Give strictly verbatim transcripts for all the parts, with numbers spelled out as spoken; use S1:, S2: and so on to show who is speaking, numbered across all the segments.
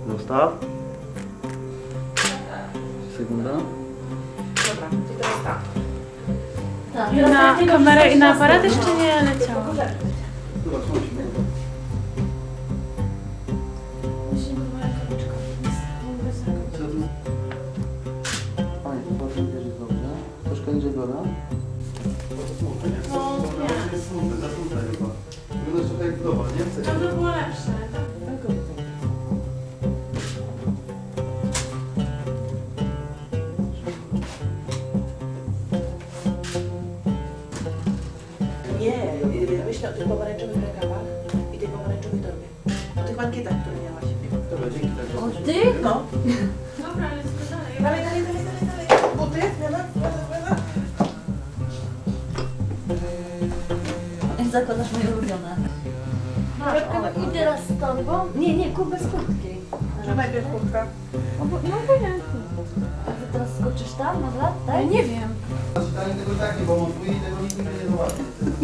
S1: Zostaw. Sekunda.
S2: Dobra, i teraz tak.
S3: Tak,
S4: I na kamerę i na aparat jeszcze nie leciało.
S1: Fajnie, zobaczmy, bierz jest dobrze. Troszkę niżej biorę.
S4: No nie,
S1: Jest smutne, za smutne chyba. Wyglądasz trochę jak global, nie?
S4: to by było lepsze.
S2: Nie, myślę o tych pomarańczowych rękawach i tej pomarańczowej torbie. O tych mankietach, które miałaś.
S1: Dobra, dzięki tak.
S3: O ty?
S2: No.
S4: Dobra, ale co dalej?
S2: Dalej, dalej, dalej, dalej, dalej. Buty, zmiana, zmiana, zmiana.
S3: Jak zakładasz moje ulubione. Masz, o, i teraz z torbą? Nie, nie, kup bez kurtki.
S2: Że najpierw kurtka.
S4: No bo, no obojętnie.
S3: A ty teraz skoczysz tam na lat,
S4: Ja
S3: tak?
S4: nie wiem.
S1: Czytanie tego takie, bo montuje i tego nikt nigdy nie zobaczy.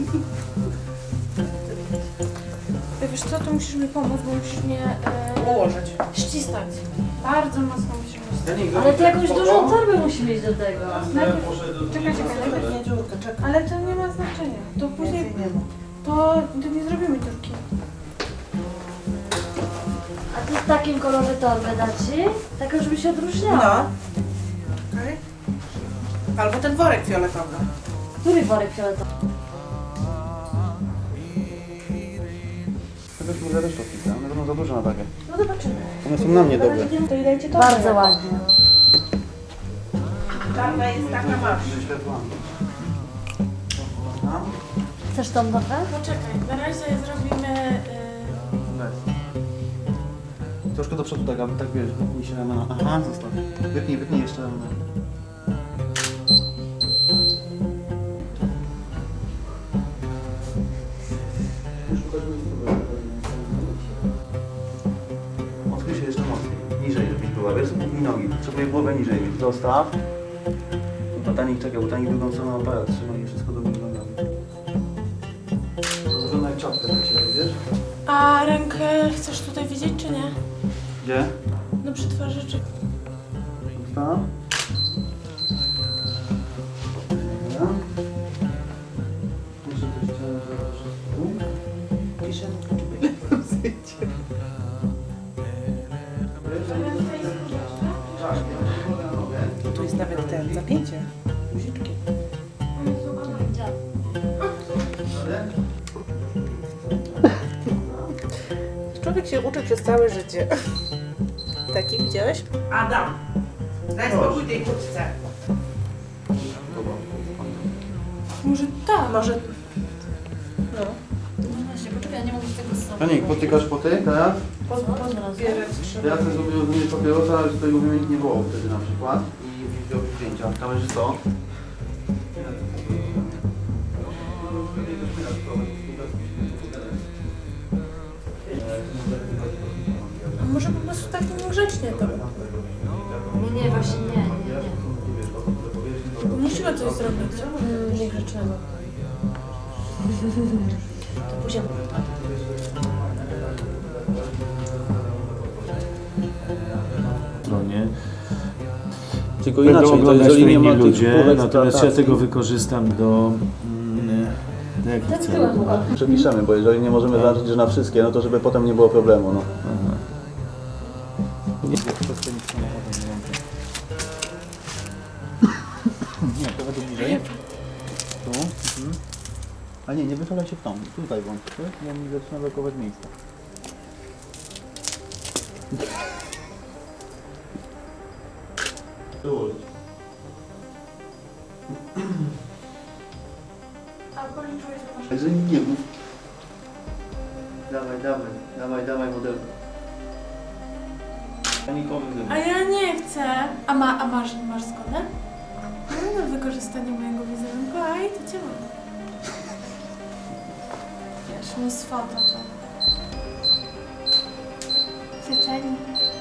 S4: Wiesz co, to musisz mi pomóc, bo musisz mnie e,
S2: Ułożyć.
S4: ścisnąć. Bardzo mocno musisz mnie ścisnąć.
S3: Ale ty jakąś dużą torbę musi mieć do tego.
S4: Najpierw, czekaj, czekaj, najpierw.
S2: Nie, dziurka, czekaj.
S4: Ale to nie ma znaczenia. To później,
S2: Więcej nie ma.
S4: to, to nie zrobimy dziurki.
S3: A ty w takim kolorze torbę da ci? Taką, żeby się odróżniała.
S2: No. Okej. Albo ten worek fioletowy.
S3: Który worek fioletowy?
S1: Tego się nie da też odpisać, one będą za duże na takie.
S2: No zobaczymy.
S1: One są na mnie dobre.
S2: To i dajcie to.
S3: Bardzo ładnie.
S2: Czarna jest taka masz.
S1: Ze światłami.
S3: Chcesz tą torbę?
S4: Poczekaj, na razie zrobimy...
S1: Weź. Troszkę do przodu tak, aby tak wiesz, wypnij się ramena. Aha, zostaw. Wypnij, wypnij jeszcze ramena. Odchyl się jeszcze mocniej. Niżej, żebyś była, wiesz? I nogi. Potrzebuję głowę niżej. Zostaw. Botanik, czekaj, botanik drugą stroną aparat. Trzymaj wszystko do góry nogami. To wygląda jak czapka na ciebie, wiesz?
S4: A rękę chcesz tutaj widzieć, czy nie?
S1: Gdzie?
S4: No przy twarzy, czy...
S1: Zostaw. Dobra. Muszę też ciało założyć tu.
S2: Piszę. Tu jest nawet ten zapięcie. Guziczki. Człowiek się uczy przez całe życie. Taki widziałeś? Adam, daj spokój tej kurtce.
S4: Może tak.
S2: Może... No.
S3: No właśnie, poczekaj, nie mogę tego zrobić.
S1: Janik, potykasz po ty teraz?
S2: Pod, pod, bierę, trzymaj.
S1: Ja chcę sobie rozumieć papierosa, ale swojego wymienić nie było wtedy na przykład. I wziął zdjęcia. Kamerzysto.
S4: A może po prostu tak grzecznie to.
S3: Nie, nie, właśnie nie, nie, nie.
S4: Musimy coś zrobić. Mm, niegrzecznego.
S3: To później.
S5: stronie.
S1: Tylko
S5: Będą
S1: inaczej, to
S5: oglądać
S1: jeżeli
S5: to
S1: nie ma
S5: inni
S1: tych
S5: ludzie,
S1: wpływek
S5: natomiast ja
S1: eksploatacji,
S5: tego wykorzystam do, mm, do jakich
S3: Tak
S5: celów?
S3: byłem.
S1: przepiszemy, bo jeżeli nie możemy zaznaczyć, że na wszystkie, no to żeby potem nie było problemu, no.
S5: Aha.
S1: Nie, to według bliżej. Tu. Mhm. A nie, nie wychylaj się w tą. Tutaj włącz, bo mi zaczyna blokować miejsce.
S4: A policzyłeś, że masz...
S1: Także nie mów. Dawaj, dawaj, dawaj, dawaj model.
S4: A ja nie chcę. A, ma, a masz, masz zgodę? No, na wykorzystanie mojego wizerunku, a i to cię mam. Wiesz, mi z foto to. Życzenie.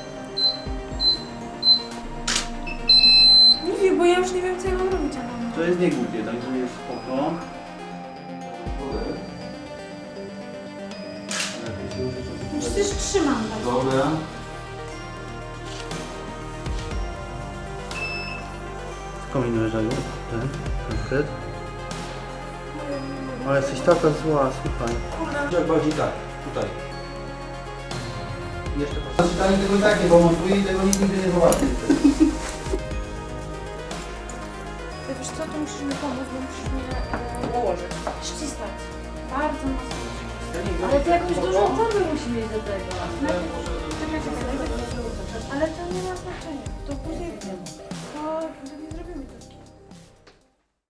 S4: Nie wiem, bo ja już nie wiem, co ja mam robić, ale...
S1: To jest niegłupie, także jest spoko.
S4: Przecież trzymam.
S1: Dobra. Kombinuję, Żeniu. Ten, konkret. Ale jesteś taka zła, słuchaj.
S4: Kurde.
S1: Bardziej tak, tutaj. Jeszcze proszę. Czytanie tego i tak nie pomontuje i tego nikt nigdy nie zobaczy.
S4: Wiesz co, to musisz mi pomóc, bo musisz mnie e,
S2: Ułożyć.
S4: ścisnąć. Bardzo mocno.
S3: Ale to jakąś dużą torbę musi mieć do tego.
S4: Czekaj, czekaj, daj tak. Ale to nie ma znaczenia. To później, to nie zrobimy tego.